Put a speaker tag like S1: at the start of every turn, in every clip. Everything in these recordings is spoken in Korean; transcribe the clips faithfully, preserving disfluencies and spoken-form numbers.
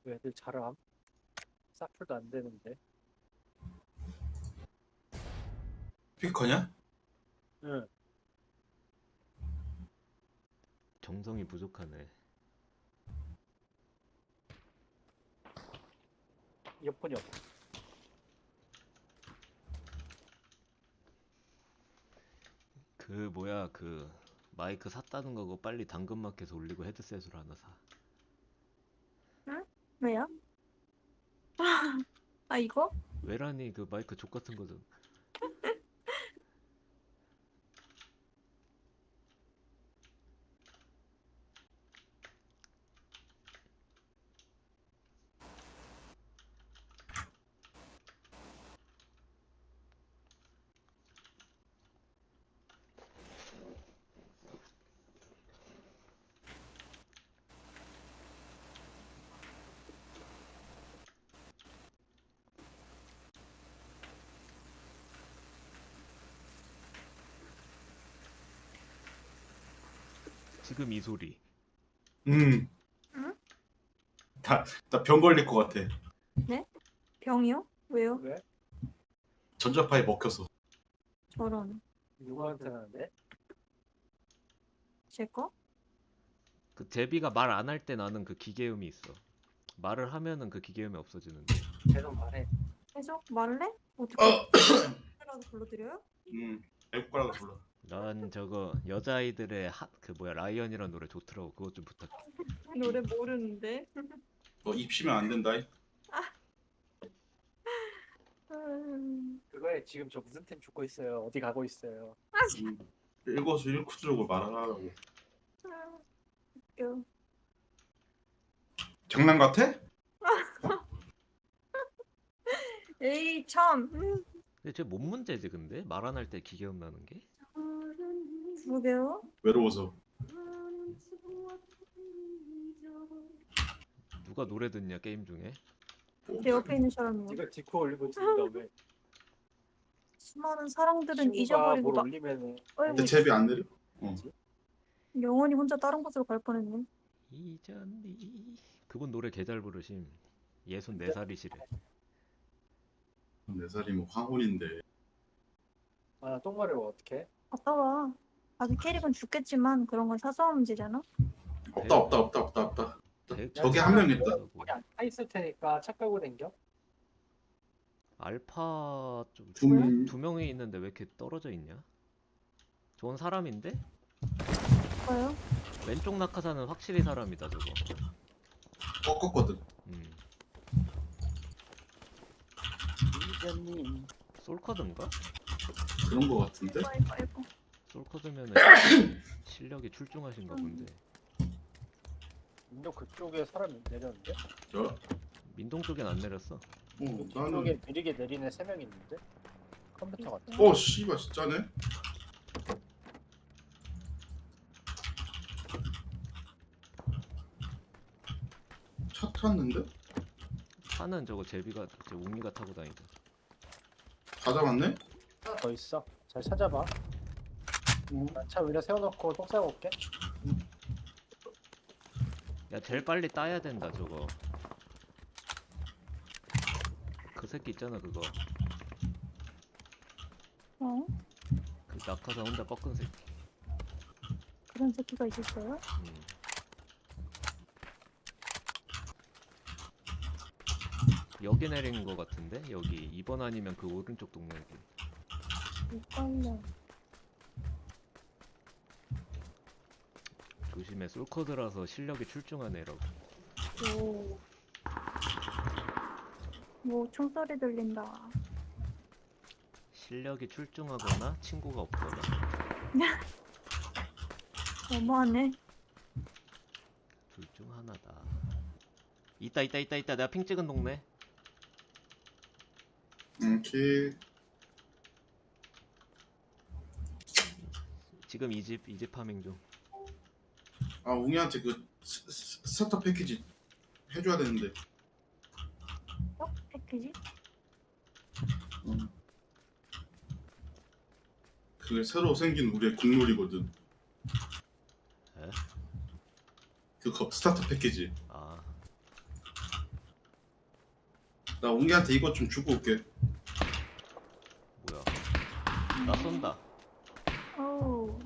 S1: 애들 잘함. 사풀도 안 되는데.
S2: 피커냐?
S1: 응.
S3: 정성이 부족하네.
S1: 이어폰이 없어.
S3: 그 뭐야 그 마이크 샀다는 거고 빨리 당근마켓에 올리고 헤드셋으로 하나 사.
S4: 응? 왜요? 아, 이거?
S3: 왜라니 그 마이크 족 같은 거든. 지금 이 소리.
S2: 음.
S4: 응?
S2: 나 나 병 걸릴 것 같아.
S4: 병이요? 왜요?
S1: 왜?
S2: 전자파에 먹혀서.
S4: 저런.
S1: 누구한테 하는데?
S4: 제 거?
S3: 그 제비가 말 안 할 때 나는 그 기계음이 있어. 말을 하면은 그 기계음이 없어지는데.
S1: 계속 말해.
S4: 계속 말래? 어떻게?
S2: 어.
S4: 라도 불러드려요?
S2: 음. 외국 거라고 불러.
S3: 난 저거 여자아이들의 핫 그 뭐야 라이언이란 노래 좋더라고. 그것 좀 부탁해.
S4: 노래 모르는데.
S2: 뭐 입시면 안 된다.
S4: 음,
S1: 그거에 지금 저 무슨 템 죽고 있어요. 어디 가고 있어요.
S2: 음. 일거수일투족을 말하라고.
S4: 아, 웃겨.
S2: 장난 같아?
S4: 에이 참. 음,
S3: 근데 쟤 뭔 문제지 근데? 말 안 할 때 기계음 나는 게?
S4: 그러게요.
S2: 외로워서.
S3: 누가 노래 듣냐 게임 중에?
S4: 내 옆에 있는 사람이요.
S1: 이거 디코 올리고 지는 다음에
S4: 수많은 사랑들은
S1: 친구가
S4: 잊어버리고
S1: 뭘
S4: 막
S1: 올리면은
S2: 근데
S4: 어이구,
S2: 제비 안 내려? 어.
S4: 영원히 혼자 다른 곳으로 갈 뻔했네.
S3: 이전이 그분 노래 개 잘 부르심. 예순네 살이시래.
S2: 네 살이면 황혼인데.
S1: 아 똥마려워 어떡해?
S4: 아까워. 자기 캐릭은 죽겠지만 그런 건 사소한 문제잖아.
S2: 없다 없다 없다 없다 없다.
S3: 백-
S2: 저기 한 명 있다.
S1: 우리 안 타있을 테니까 차 끌고 댕겨?
S3: 알파 좀
S2: 두 명.
S3: 두 명이 있는데 왜 이렇게 떨어져 있냐? 저건 사람인데?
S4: 뭐요?
S3: 왼쪽 낙하산은 확실히 사람이다 저거.
S2: 꺾었거든.
S3: 음.
S1: 이자님
S3: 솔커드인가?
S2: 그런 거 같은데.
S4: 아이고 아이고.
S3: 솔커드면은 실력이 출중하신가
S4: 음.
S3: 본데.
S1: 인도 그쪽에 사람이 내렸는데?
S2: 저.
S3: 민동 쪽엔 안 내렸어.
S2: 어
S1: 뒤쪽에
S2: 나는.
S1: 느리게 내리는 세 명 있는데? 컴퓨터 같아.
S2: 어 씨발 진짜네. 차 탔는데?
S3: 차는 저거 제비가 제 웅이가 타고 다니다.
S2: 다 잡았네?
S1: 하나 더 있어. 잘 찾아봐. 난 차 위에 세워놓고 똥 싸고 올게.
S3: 야 제일 빨리 따야 된다 저거. 그 새끼 있잖아 그거.
S4: 어?
S3: 그 낙하산 혼자 꺾은 새끼.
S4: 그런 새끼가 있었어요?
S3: 음. 여기 내린 거 같은데? 여기 이 번 아니면 그 오른쪽 동네기.
S4: 헷갈려.
S3: 조심해 솔커드라서 실력이 출중한 애라고.
S4: 오. 뭐 총소리 들린다.
S3: 실력이 출중하거나 친구가 없거나.
S4: 너무하네.
S3: 둘 중 하나다. 있다 있다 있다 있다. 내가 핑 찍은 동네.
S2: 오케이.
S3: 지금 이 집 이 집 파밍 중.
S2: 아 웅이한테 그 스, 스, 스타터 패키지 해줘야 되는데.
S4: 어? 패키지?
S2: 음. 그게 새로 생긴 우리의 국룰이거든.
S3: 에?
S2: 그거 스타터 패키지.
S3: 아
S2: 나 웅이한테 이것 좀 주고 올게.
S3: 뭐야? 나 쏜다.
S4: 어우.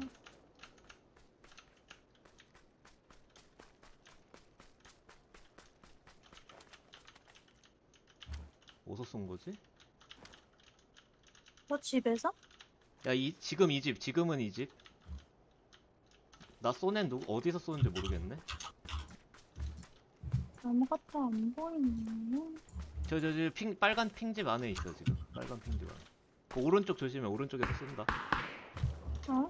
S3: 어디서 쏜 거지?
S4: 너 집에서?
S3: 야, 이 지금 이 집, 지금은 이 집. 나 쏘낸 누구 어디서 쏘는지 모르겠네.
S4: 아무것도 안 보이네.
S3: 저 저 저 핑 빨간 핑집 안에 있어 지금. 빨간 핑집 안에. 그 오른쪽 조심해. 오른쪽에서 쏜다.
S4: 어?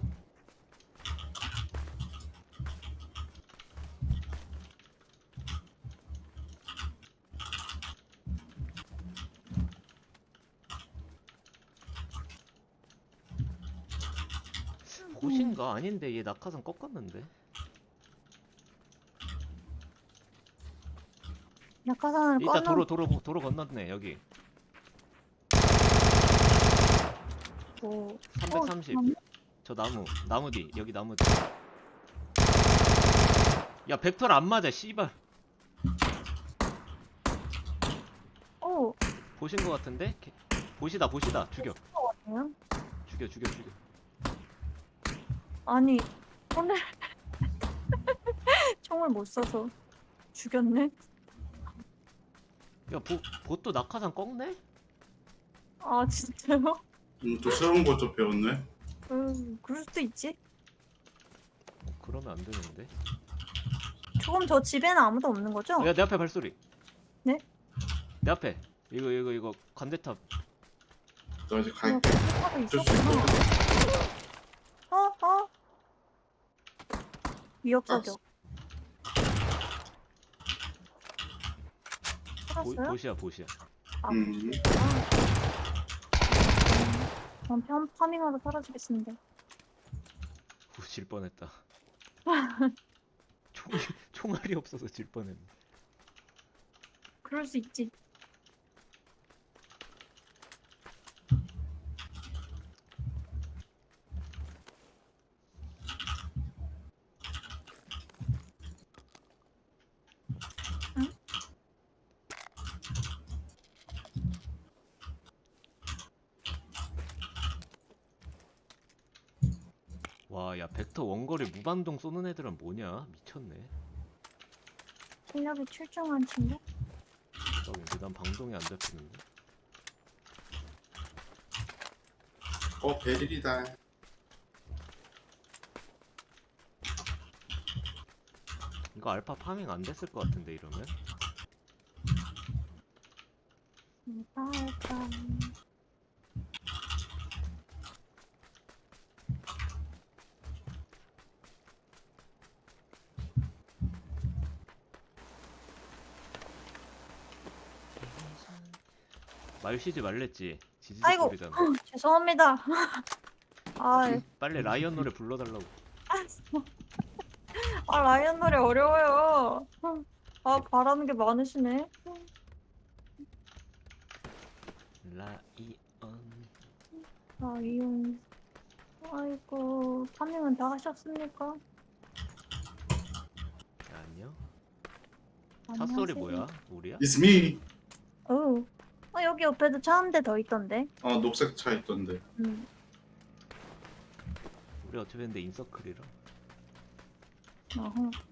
S3: 보신가? 아닌데 얘 낙하산 꺾었는데.
S4: 낙하산을
S3: 이따
S4: 꺼놓.
S3: 도로 도로 도로 건넜네 여기.
S4: 뭐.
S3: 삼백삼십.
S4: 어,
S3: 저 나무 나무 뒤 여기 나무 뒤. 야 벡터를 안 맞아 씨발.
S4: 어,
S3: 보신 거 같은데? 개- 보시다 보시다 죽여
S4: 뭐야?
S3: 죽여 죽여 죽여.
S4: 아니, 오늘 총을 못 쏴서 죽였네?
S3: 야 보, 보또 낙하산 꺾네?
S4: 아, 진짜요?
S2: 음, 또 새로운 것 좀 배웠네.
S4: 음, 그럴 수도 있지.
S3: 어, 그러면 안 되는데.
S4: 조금 저 집에는 아무도 없는 거죠?
S3: 야 내 앞에 발소리.
S4: 네?
S3: 내 앞에 이거 이거 이거 관대탑.
S2: 나 이제
S4: 어,
S2: 갈게.
S4: 하고
S2: 어쩔 수
S4: 있었구나.
S2: 있어.
S4: 어, 어? 위협사격.
S3: 보,
S4: 살았어요?
S3: 보시야 보시야.
S4: 아,
S2: 음.
S4: 전 편, 파밍하러 사라지겠습니다.
S3: 오, 질 뻔했다. 총 총알이 없어서 질 뻔했네.
S4: 그럴 수 있지.
S3: 와, 야 벡터 원거리 무반동 쏘는 애들은 뭐냐? 미쳤네.
S4: 실력이 출중한 친구?
S3: 근데 난 방동이 안 잡히는데.
S2: 어, 베릴이다.
S3: 이거 알파 파밍 안 됐을 것 같은데 이러면?
S4: 알까.
S3: 말 쉬지 말랬지. 지지직
S4: 아이고.
S3: 소리잖아.
S4: 죄송합니다. 아,
S3: 빨리 라이언 노래 불러달라고.
S4: 아 라이언 노래 어려워요. 아 바라는 게 많으시네.
S3: 라이언.
S4: 아 이용. 아이고 파밍은 다 하셨습니까?
S3: 안녕. 차 소리 뭐야? 우리야?
S2: It's me.
S4: 어. 어 여기 옆에도 차 한 대 더 있던데.
S2: 어, 녹색 차 있던데.
S4: 음.
S3: 우리 어차피 근데 인서클이라.
S4: 어허.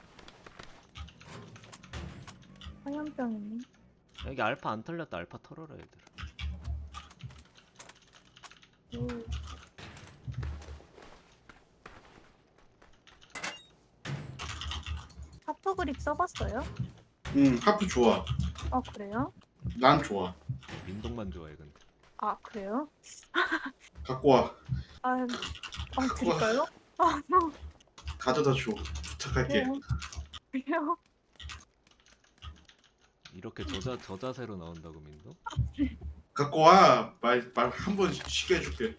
S4: 화염병이네.
S3: 여기 알파 안 털렸다. 알파 털어라 얘들.
S4: 오. 하프 그립 써봤어요?
S2: 응, 하프 좋아.
S4: 아 그래요?
S2: 난 좋아.
S3: 민동만 좋아해 근데.
S4: 아 그래요?
S2: 갖고 와.
S4: 아, 아 드릴까요? 아,
S2: 가져다 줘. 부탁할게.
S4: 그래요. 그래요?
S3: 이렇게 저자 저자세로 나온다고 민동?
S2: 갖고 와. 말 말 한 번 쉬게 해줄게.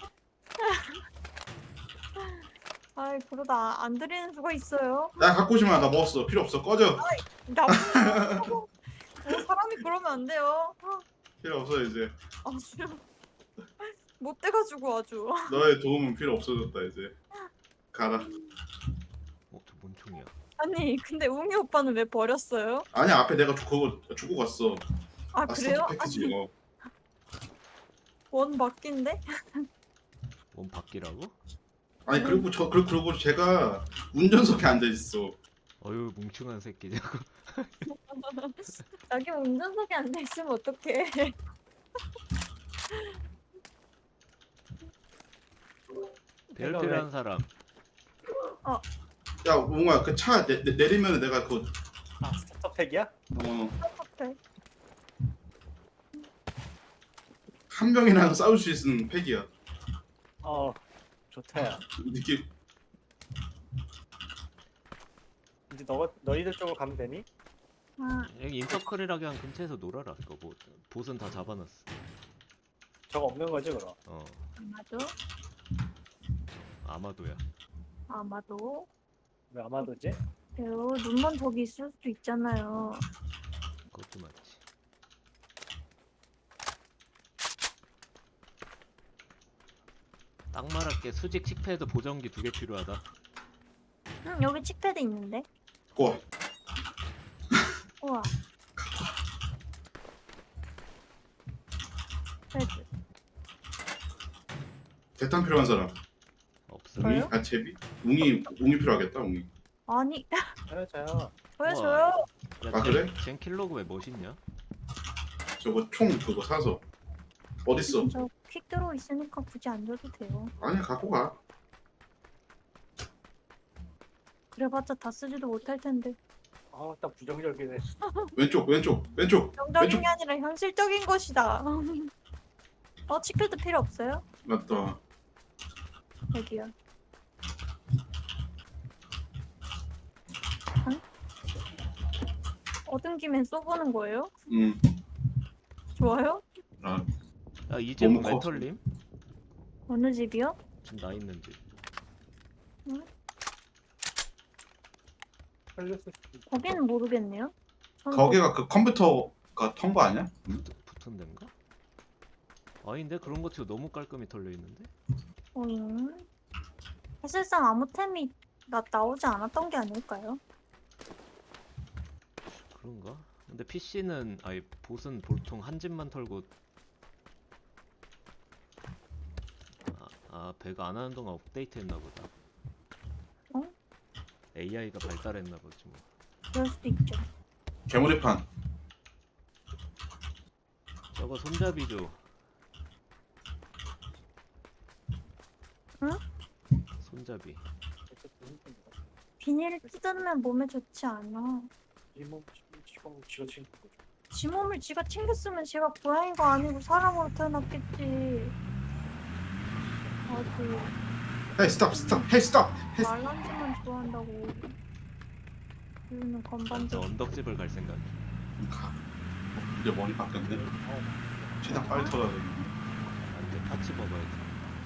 S4: 아이 그러다 안 드리는 수가 있어요.
S2: 나 갖고 오지 마. 나 먹었어. 필요 없어. 꺼져.
S4: 나쁜 뭐 사람이 그러면 안 돼요.
S2: 필요 없어 이제.
S4: 아주 못 돼가지고 아주.
S2: 너의 도움은 필요 없어졌다 이제. 가라.
S3: 어, 저 뭔 총이야?
S4: 아니 근데 웅이 오빠는 왜 버렸어요?
S2: 아니 앞에 내가 주- 그거 주고 갔어.
S4: 아
S2: 아
S4: 그래요?
S2: 스타터 패키지. 어.
S4: 원 바뀐데?
S3: 몸 바뀌라고?
S2: 아니 그리고 저 그리고, 그리고 제가 운전석에 앉아 있어.
S3: 어휴 뭉충한 새끼 저거.
S4: 자기 운전석에 앉아 있으면 어떡해?
S3: 배열
S1: 내가
S3: 필요한 사람.
S2: 야 웅아 그 차 내리면 내가 그
S1: 아 스타터팩이야?
S2: 어,
S4: 어떡해?
S2: 한 명이랑 싸울 수 있는 팩이야.
S1: 어 좋다 야.
S2: 느낌.
S1: 이제 너, 너희들 쪽으로 가면 되니?
S4: 아,
S3: 여기 인서클이라 그냥 근처에서 놀아라. 이거 뭐 보스는 다 잡아놨어.
S1: 저거 없는 거지 그럼?
S3: 어
S4: 아마도?
S3: 아마도야.
S4: 아마도?
S1: 왜 아마도지?
S4: 왜요? 눈만 저기 있을 수도 있잖아요.
S3: 그것도 맞지. 딱 말할게. 수직 칙패드 보정기 두 개 필요하다.
S4: 응, 여기 칙패드 있는데?
S2: 고.
S4: 우와. 패드.
S2: 대탄 필요한 사람.
S3: 없어.
S2: 웅이?
S4: 저요?
S2: 아 제비? 웅이 웅이 필요하겠다 웅이.
S4: 아니,
S1: 저요 저요.
S4: 왜
S3: 우와.
S4: 저요?
S3: 야,
S2: 아, 그래?
S3: 젠, 젠 킬로그 왜 멋있냐?
S2: 저거 총 그거 사서 어딨어?
S4: 저퀵 들어 있으니까 굳이 안 줘도 돼요.
S2: 아니야 갖고 가.
S4: 그래봤자 다 쓰지도 못할 텐데.
S1: 아딱 부정적이네.
S2: 왼쪽 왼쪽 왼쪽
S4: 정적인
S2: 왼쪽.
S4: 게 아니라 현실적인 것이다. 어, 칙패드 필요 없어요?
S2: 맞다.
S4: 여기요. 응? 얻은 김에 써보는 거예요?
S2: 음.
S4: 좋아요?
S2: 아
S3: 야 이제 뭐
S2: 너무 커.
S3: 멘털님?
S4: 어느 집이요?
S3: 지금 나 있는 집.
S1: 살렸을 수도 있고.
S4: 거기는 모르겠네요. 저는
S2: 거기가 그 컴퓨터가 턴 거 아니야?
S3: 붙, 붙은 데인가? 아닌데 그런 거 치고 너무 깔끔히 털려 있는데?
S4: 거- 어잉. 사실상 아무 템이 나, 나오지 않았던 게 아닐까요?
S3: 그런가? 근데 피씨는 아니 보스는 보통 한 집만 털고 아, 아 배가 안 하는 동안 업데이트했나 보다.
S4: 어?
S3: 에이아이가 발달했나 보지 뭐.
S4: 그럴 수도 있죠.
S2: 개머리판.
S3: 저거 손잡이죠.
S4: 응?
S3: 손잡이.
S1: 어쨌든 힘듭니다.
S4: 비닐을 뜯으면 몸에 좋지 않아.
S1: 이몸 지금 지가 챙긴 거죠.
S4: 지 몸을 지가 챙겼으면 지가 고양이가 아니고 사람으로 태어났겠지. 아주
S2: 헤이 스탑 스탑 헤이 스탑 헤이 스탑.
S4: 말란지만 좋아한다고. 이유는
S3: 완전
S4: 건반지.
S3: 언덕집을 갈 생각.
S2: 가. 어, 이제 머리 바뀌었네.
S1: 어,
S2: 최대한 빨리 털어야 돼.
S3: 안돼 파츠 먹어야지.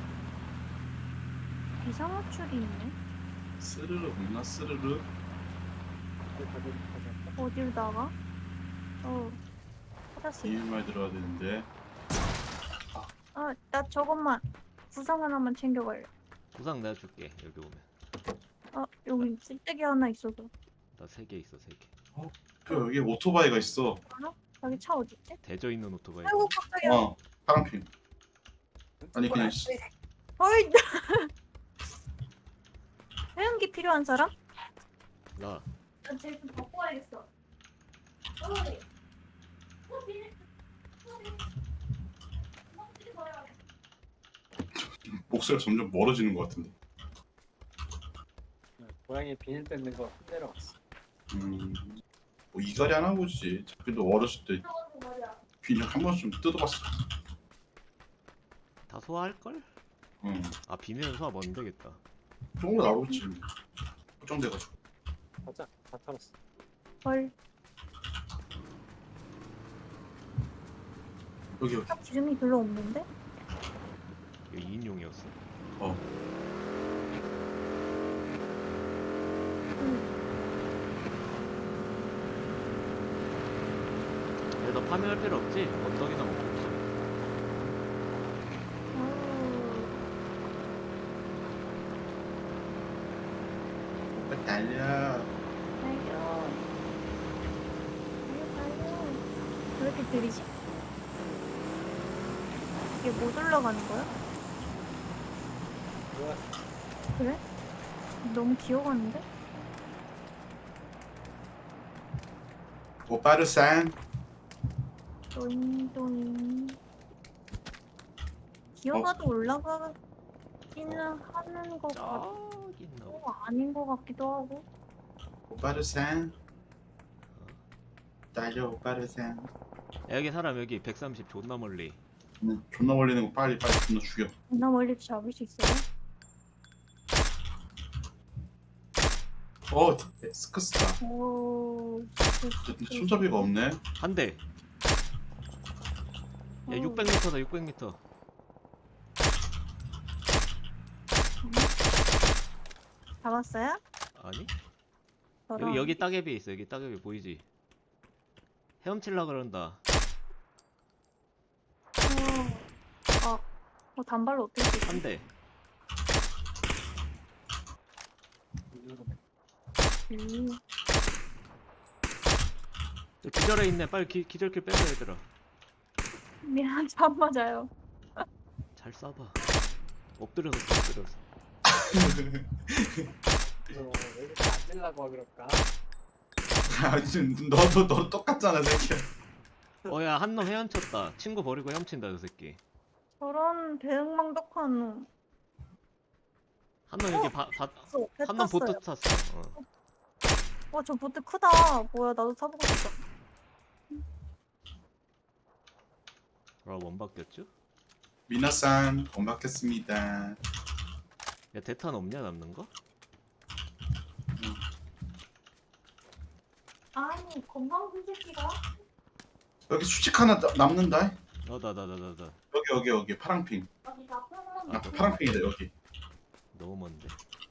S4: 비상호출이 있네.
S2: 스르르 없나 스르르.
S1: 이제 다들 가자.
S4: 어디로 나가? 어, 찾았어.
S2: 이말 들어야 되는데.
S4: 아, 나 저것만 구상 하나만 챙겨갈래.
S3: 구상 내가 줄게 여기 오면.
S4: 아, 여기 쓸데기 하나 있어서.
S3: 나 세 개 있어 세 개.
S2: 그 여기 오토바이가 있어.
S4: 여기 차 어디 있지?
S3: 대져 있는 오토바이.
S4: 아이고 깜짝이야.
S2: 어 파랑핀. 아니 그냥 씨-
S4: 어이. 회원기 필요한 사람?
S3: 나
S4: 나 제일 좀 갖고 와야겠어. 어이.
S2: 목소리가 점점 멀어지는 것 같은데.
S1: 고양이 비닐 뺏는 거 내려왔어.
S2: 음. 뭐 이갈이 하나 보지. 자기도 어렸을 때 비닐 한 번쯤 뜯어봤어.
S3: 다 소화할 걸?
S2: 응.
S3: 아 비닐은 소화 못 되겠다.
S2: 그런 거 나오겠지. 걱정돼가지고.
S1: 가자. 다 털었어.
S4: 헐.
S2: 여기 여기.
S4: 차 기름이 별로 없는데?
S3: 이거 이인용이었어.
S2: 어.
S3: 근데 너 파밍할 필요 없지? 언덕이나 먹고 있어.
S2: 빨리 달려.
S4: 달려. 달려, 달려. 왜 이렇게 들이지? 이게 못 올라가는 거야?
S1: 뭐야?
S4: 그래? 너무 기어가는데?
S2: 오빠르산.
S4: 또잉또잉. 기어가도 올라가기는 하는 거
S3: 저기 있나
S4: 같고
S3: 보다.
S4: 아닌 거 같기도 하고.
S2: 오빠르산. 달려 오빠르산.
S3: 야, 여기 사람 여기 백삼십 존나 멀리.
S2: 음, 존나 걸리는 거 빨리 빨리 존나 죽여.
S4: 나 멀리 잡을 수 있어요?
S2: 어 스크스다.
S4: 오.
S2: 근데 손잡이가 없네.
S3: 한 대. 야,
S4: 어.
S3: 육백 미터다 육백 미터.
S4: 잡았어요?
S3: 아니?
S4: 저런.
S3: 여기 여기 따개비 있어. 여기 따개비 보이지? 헤엄칠라 그런다.
S4: 어. 어. 어 단발로 어떻게 수 있지?
S3: 한 대.
S4: 음.
S3: 저 기절해 있네. 빨리 기, 기절킬 빼자 얘들아.
S4: 미안, 잠 맞아요.
S3: 잘 쏴봐. 엎드려서 쏴, 엎드려서.
S1: 너 왜 이렇게 앉으려고 그럴까?
S2: 아 지금 너도 너 똑같잖아 새끼야.
S3: 어야, 한 놈 헤엄쳤다. 친구 버리고 헤엄친다 저 새끼.
S4: 저런 배응망덕한 놈.
S3: 한 놈 여기 바, 바,
S4: 어, 배
S3: 한 놈 보트
S4: 탔어요.
S3: 탔어. 어.
S4: 와, 저 보트 크다. 뭐야, 나도 타보고 싶다.
S3: 아, 원 바뀌었죠?
S2: 미나산 고맙겠습니다.
S3: 야, 대탄 없냐 남는 거?
S4: 아니, 건방진 새끼가?
S2: 여기 수직 하나 나- 남는다.
S3: 어, 나, 나, 나, 나, 나.
S2: 여기 여기 여기 파랑핑.
S4: 어디 나쁜
S2: 아 파랑핑이다 여기.
S3: 너무 먼데.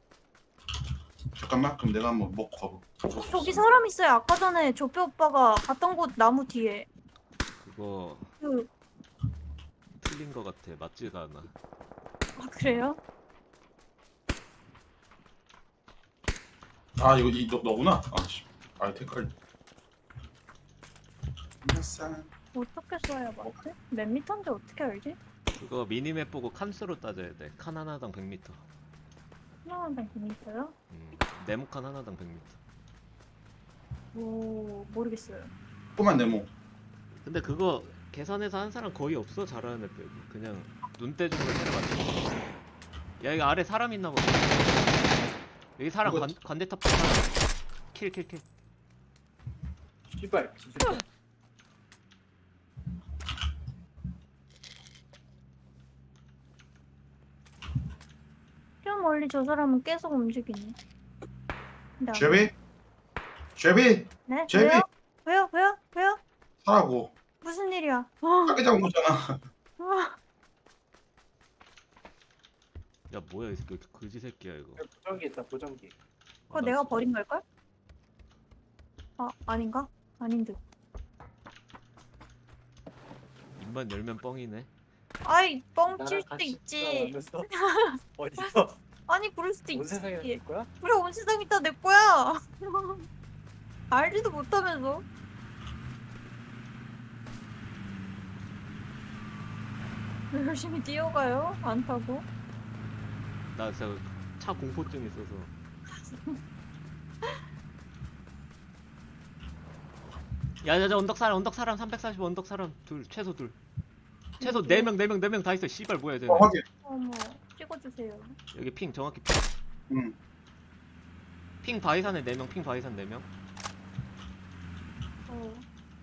S2: 잠깐만 그럼 내가 한번 먹고 가보.
S4: 저기 사람 있어요. 아까 전에 조뼈 오빠가 갔던 곳 나무 뒤에.
S3: 그거
S4: 그,
S3: 틀린 거 같아. 맞지가 않아.
S4: 아, 그래요?
S2: 아 이거 이 너, 너구나. 아씨. 아 댓글. 미나산.
S4: 어떻게 써야 맞지? 몇 미터인지 어떻게 알지?
S3: 그거 미니맵 보고 칸수로 따져야 돼. 칸 하나당 백 미터.
S4: 하나만 재밌어요?
S3: 음, 네모칸 하나당 백 미터.
S4: 오, 모르겠어요.
S2: 꼬만 네모.
S3: 근데 그거 계산해서 한 사람 거의 없어. 잘하는 애 빼고. 그냥 눈대중으로 때려 맞추고. 야, 여기 아래 사람 있나 보다. 여기 사람
S2: 이거-
S3: 관, 관대탑 사람. 킬, 킬, 킬.
S1: 씨발, 진짜.
S4: 저 멀리 저 사람은 계속 움직이네. 근데 안-
S2: 제비. 제비.
S4: 네?
S2: 제비.
S4: 왜요? 왜요? 왜요? 왜요?
S2: 사라고.
S4: 무슨 일이야? 아,
S2: 싸게 잡은 거잖아.
S4: 아,
S3: 야, 뭐야 이 새끼. 그지 새끼야 이거.
S1: 여기 보정기 있다, 보정기.
S4: 그거
S3: 아, 나
S4: 내가
S3: 진짜-
S4: 버린 걸걸? 아, 아닌가? 아닌 듯.
S3: 입만 열면 뻥이네.
S4: 아이, 뻥칠
S1: 나랑
S4: 수도
S1: 같이
S4: 있지.
S1: 있어? 어디서?
S4: 아니, 그럴 수도
S1: 온 세상에
S4: 있지.
S1: 될 거야?
S4: 그래, 온 세상 있다 내 거야. 알지도 못하면서. 열심히 뛰어가요? 안 타고.
S3: 나 진짜 차 공포증 있어서. 야야야, 언덕 사람 언덕 사람 삼백사십 언덕 사람 둘 최소 둘 최소 네 명 네 명 네 명 다 있어. 씨발 뭐야 쟤네.
S2: 어 확인.
S4: 어머, 찍어주세요.
S3: 여기 핑 정확히 핑.
S2: 응.
S3: 핑 바이산에 네 명, 핑 바이산 네 명.
S4: 어.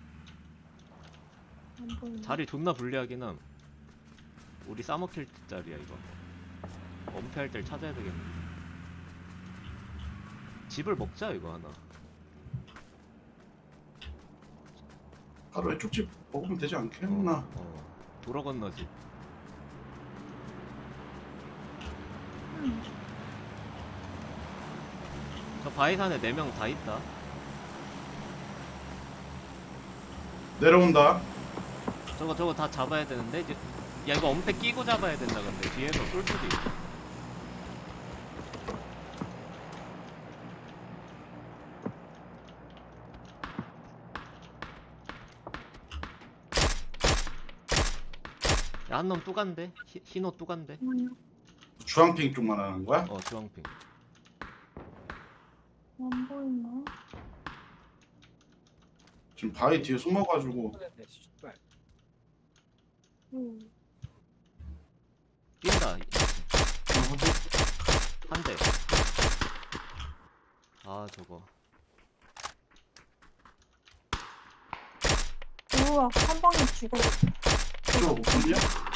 S4: 안 보이네.
S3: 자리 존나 불리하긴 함. 우리 싸먹힐 자리야 이거. 엄폐할 때 찾아야 되겠네. 집을 먹자 이거 하나.
S2: 바로 왼쪽 집 먹으면 되지
S3: 어,
S2: 않겠나?
S3: 어. 도로 건너지.
S4: 음.
S3: 저 바이산에 네 명 다 있다.
S2: 내려온다.
S3: 저거 저거 다 잡아야 되는데 이제. 야 이거 엄폐 끼고 잡아야 된다. 근데 뒤에서 쏠 수도 있어. 한 놈 뚜간데? 히- 흰옷 뚜간데?
S4: 음,
S2: 주황핑 쪽만 하는 거야?
S3: 어 주황핑.
S4: 안 보이네.
S2: 지금 바위 뒤에 숨어가지고
S1: 네, 씨발.
S4: 음.
S3: 뛴다. 한 대. 아 저거.
S4: 우와, 한 방에 죽어.
S2: 저거 못 봤냐?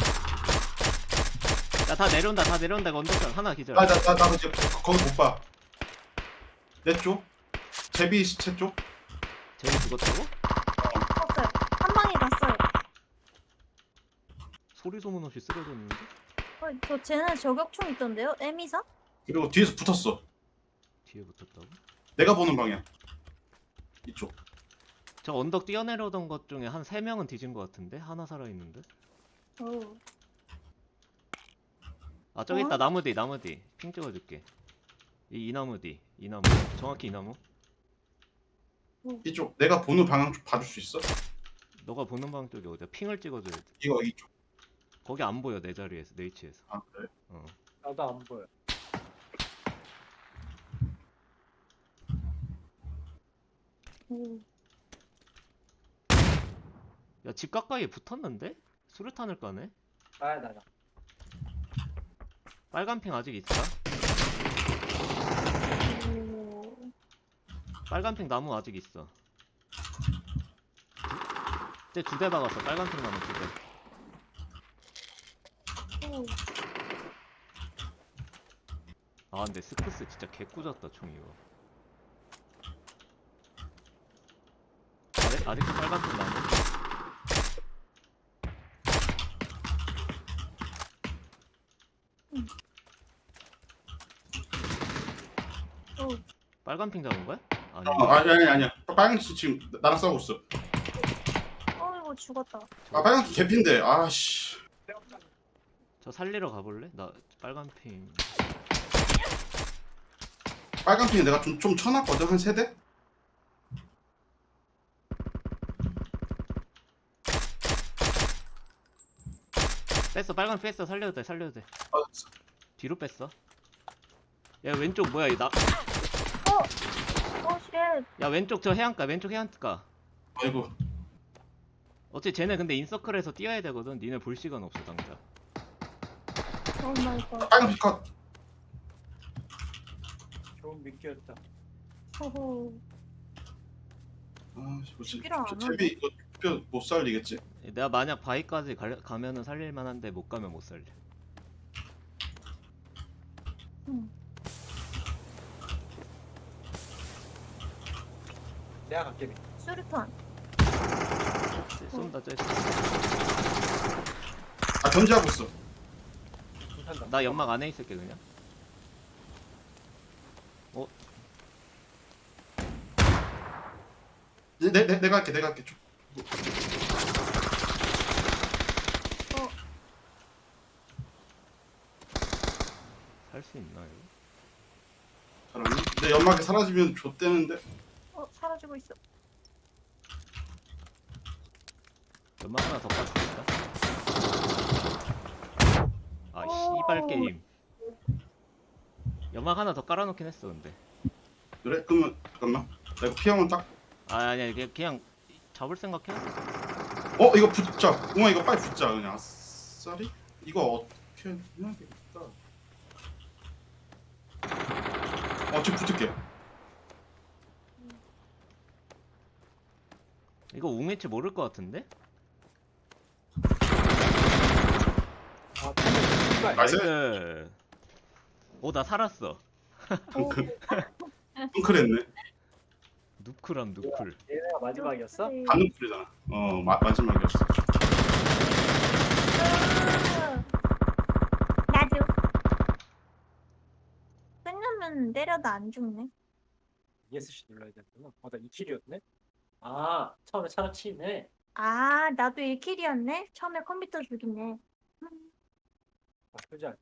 S3: 야 다 내려온다 다 내려온다. 이거 언덕장 하나 기절.
S2: 나나나 이제 거- 거기 못 봐. 내 쪽? 제비 시체 쪽?
S3: 쟤이 죽었다고?
S4: 없어요. 한 방에 갔어요.
S3: 소리 소문 없이 쓰러졌는데?
S4: 어, 저 쟤는 저격총 있던데요? 에미사?
S2: 그리고 뒤에서 붙었어.
S3: 뒤에 붙었다고?
S2: 내가 보는 방향. 이쪽.
S3: 저 언덕 뛰어내려오던 것 중에 한 세 명은 뒤진 것 같은데? 하나 살아있는데?
S4: 어.
S3: 아 저기
S4: 어?
S3: 있다 나무 뒤 나무 뒤 핑 찍어줄게. 이, 이 나무 뒤 이 나무 정확히 이 나무.
S2: 이쪽. 내가 보는 방향 좀 봐줄 수 있어?
S3: 너가 보는 방 쪽이 어디야? 핑을 찍어줘야 돼.
S2: 이거 이쪽.
S3: 거기 안 보여 내 자리에서 내 위치에서.
S2: 아 그래?
S3: 어.
S1: 나도 안 보여.
S4: 음.
S3: 야 집 가까이에 붙었는데? 수류탄을 까네?
S1: 아, 나가.
S3: 빨간 핑 아직 있어?
S4: 오.
S3: 빨간 핑 나무 아직 있어. 쟤 두 대 박았어. 빨간 핑 나무 두 대.
S4: 오.
S3: 아 근데 스크스 진짜 개꾸졌다 총 이거. 아직, 아직도 빨간 핑 나무?
S4: 오.
S3: 빨간 핑 잡은 거야? 아니.
S2: 어, 아니 아니 아니야. 빨강씨 지금 나랑 싸우고 있어.
S4: 어이구, 죽었다.
S2: 아 빨강씨 개핀데. 아씨.
S3: 저 살리러 가볼래? 나 빨간 핑.
S2: 빨강 핑 내가 좀 좀 쳐놨거든 한 세 대.
S3: 뺐어 빨간 핑 뺐어. 살려도 돼 살려도 돼.
S2: 아,
S3: 뒤로 뺐어. 야 왼쪽 뭐야 이 나.
S4: 어, 쉣.
S3: 야 왼쪽 저 해안가 왼쪽 해안가.
S2: 아이고.
S3: 어째 쟤네 근데 인서클에서 뛰어야 되거든. 니네 볼 시간 없어 당장.
S4: 오 마이 갓.
S2: 빨강 핑 컷.
S1: 좋은 미끼였다.
S4: 호호.
S2: 아씨 뭐지?
S4: 죽이러 안
S2: 제비 이거 뼈 못 살리겠지?
S3: 내가 만약 바위까지 가, 가면은 살릴만 한데 못 가면 못 살려.
S4: 응.
S1: 내가 갈게. 미.
S4: 수류탄.
S3: 쟤 쏜다 쟤.
S2: 아 견제하고 있어.
S1: 불탄다.
S3: 나 연막 안에 있을게 그냥. 어?
S2: 내, 내, 내, 내가 할게 내가 할게 좀.
S3: 살 수 있나 이거?
S2: 잘하니? 내 연막이 사라지면 좆대는데.
S4: 어, 사라지고 있어.
S3: 연막 하나 더 깠습니다. 아
S4: 오.
S3: 씨발 게임. 연막 하나 더 깔아놓긴 했어 근데.
S2: 그래? 그러면 잠깐만. 나 이거 피하면 딱.
S3: 아 아니야 그냥, 그냥 잡을 생각했어.
S2: 어 이거 붙자. 웅아 이거 빨리 붙자 그냥. 아싸리? 이거 어떻게 해야 되겠다. 어 지금 붙을게.
S3: 이거 웅이치 모를 것 같은데?
S1: 아, 씨발.
S2: 나이스.
S3: 나이스. 오나 살았어.
S4: 오.
S2: 펑크랬네.
S3: 누클함 누클.
S1: 얘네가 마지막이었어?
S4: 네.
S2: 반응풀이잖아. 어 마, 마지막이었어.
S4: 나도. 끝나면 때려도 안 죽네.
S1: 이에스씨 눌러야 되는구나. 어, 나 이 킬이었네? 아, 처음에 차로 치네.
S4: 아, 나도 일 킬이었네? 처음에 컴퓨터 죽이네.
S1: 나쁘지 않아.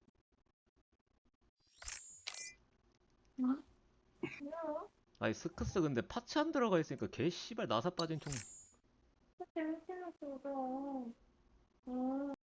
S4: 뭐?
S3: 아니 스크스 근데 파츠 안 들어가 있으니까 개 씨발 나사 빠진 총.
S4: 재밌는 거다.